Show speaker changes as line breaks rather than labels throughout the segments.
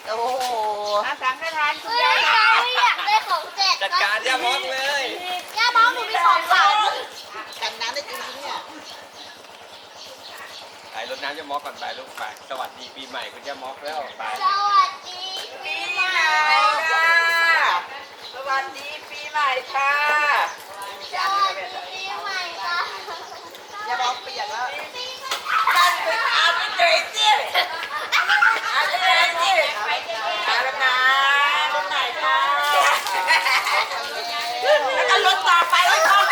โอ้โห
สังฆทานคุณ
เฮ้ย
ยาย
ไม่อยากได้ของแจก
จัดการย่ามอกเลย
ย่าบ้องหนูมีของขวัญ
กันน้ำได้จริงๆเนี่ย
ไปรดน้ำย่ามอกก่อนไปลูกไปสวัสดีปีใหม่คุณย่ามอกแล้วไป
สวัสดี
ปีใหม่ค่ะสวัสดีปีใหม่ค่ะ
สวัสดีปีใหม่ค่ะ
อย่าบอกเปียกแล้ว
บ้านไปอาบไปเจอสิอาบไปเจอสิอาบนะรถไหนค่ะแล้วก็รถต่อไปเลยค่ะ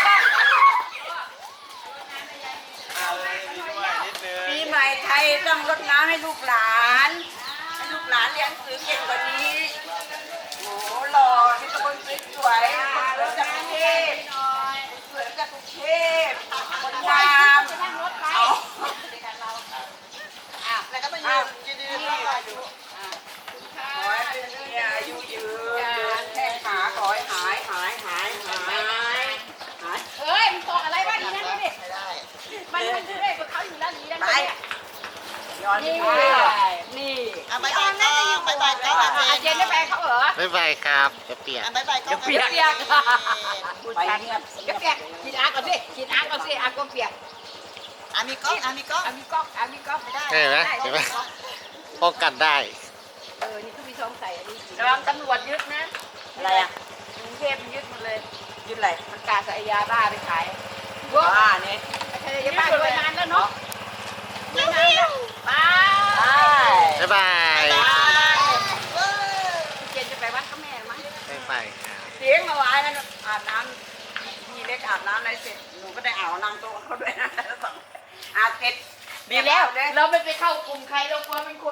เอาเลยดีด้วยนิดนึง
ปีใหม่ไทยต้องรดน้ำให้ลูกหลานให้ลูกหลานเรียนหนังสือเก่งกว่านี้โอ้หล่อมีตะคนสวยๆคนสวยจากกรุงเทพสวยจากกรุงเทพคนงามเอา
แล้วก็มายืนรออยู่
ขอให้เป็นอายุยืนแข้งขาขอให้หายหาย
เอ้ยมันตกอะไรวะนี่นะนี่
ไม่ได้
มันคือเลขของเขาอยู่แล้วนี่นะ
ไปย้อน
นี่
ไป
นี่
อ่ะบายบายก้องบายบายก้อง
อาเจนได้ไปเขาเหรอ
บ๊ายบายครับจะเปียก
บายบายก้อง
เปียก
ไปเงียบ
เดี๋ยวเปียกกินอาก่อนสิกินอาก่อนสิอาก็เปียก
มีก้องมีก้อง
อามีก๊อกอามีก๊อก
ไม่ได้
เห็นไหมเห็นไหมป้องกันได้
นี่คือมีทองใส่อันนี้ระวังตำรวจยึดนะ
อะไรอ่ะ
กรุงเทพมันยึดหมดเลย
ยืนอะไร
มันกาใส่ยาบ้าไปขายว้า
บ้าเนี่ย
ใช่ยาบ้าด้วยนานแล้วเนาะไม่นานแล้วมา
บ๊ายบาย
เจนจะไปวัดกับแม่มั้ง
บ๊ายบายครับ
เสียงเอาไว้มันอาบน้ำมีเล็กอาบน้ำอะไรเสร็จหนูก็ได้อาบนั่งโต๊ะเขาด้วยนะแล้วสองอาบเสร็จ
ดีแล้ว เราไม่ไปเข้ากลุ่มใครเรากลัวเป็นคน